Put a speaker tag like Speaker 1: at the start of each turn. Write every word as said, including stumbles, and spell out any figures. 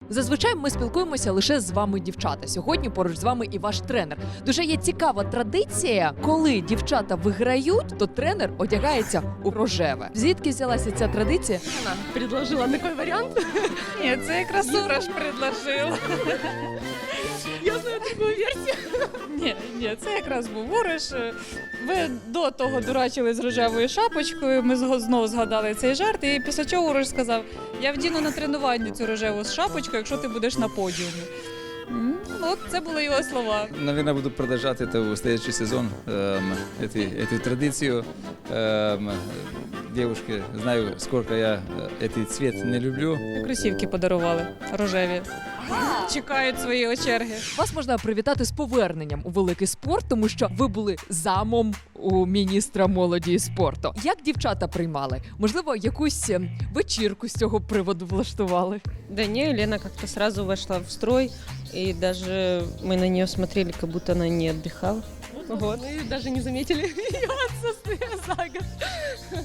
Speaker 1: Зазвичай ми спілкуємося лише з вами, дівчата. Сьогодні поруч з вами і ваш тренер. Дуже є цікава традиція, коли дівчата виграють, то тренер одягається у рожеве. Звідки взялася ця традиція?
Speaker 2: Вона предложила такий варіант.
Speaker 3: Ні, це якраз Сураж предложив.
Speaker 2: Я знаю таку версію.
Speaker 3: Ні, ні, це якраз був Уриш. Ви до того дурачили з рожевою шапочкою, ми зго- знову згадали цей жарт, і після чого Уриш сказав, я вдіну на тренування цю рожеву шапочку, якщо ти будеш на подіумі. М, От це були його слова.
Speaker 4: Наверное, буду продолжать это в следующий сезон, эм, эту, эту традицию. Эм, девушки, знаю, сколько я э, этот цвет не люблю.
Speaker 3: Кросівки подарували рожеві. Чекають своєї черги.
Speaker 1: Вас можна привітати з поверненням у великий спорт, тому що ви були замом у міністра молоді і спорту. Як дівчата приймали? Можливо, якусь е, вечірку з цього приводу влаштували?
Speaker 2: Да не, Лена как-то сразу вошла в строй, и даже мы на нее смотрели, как будто она не отдыхала. Вот. Мы даже не заметили ее отсутствие за год.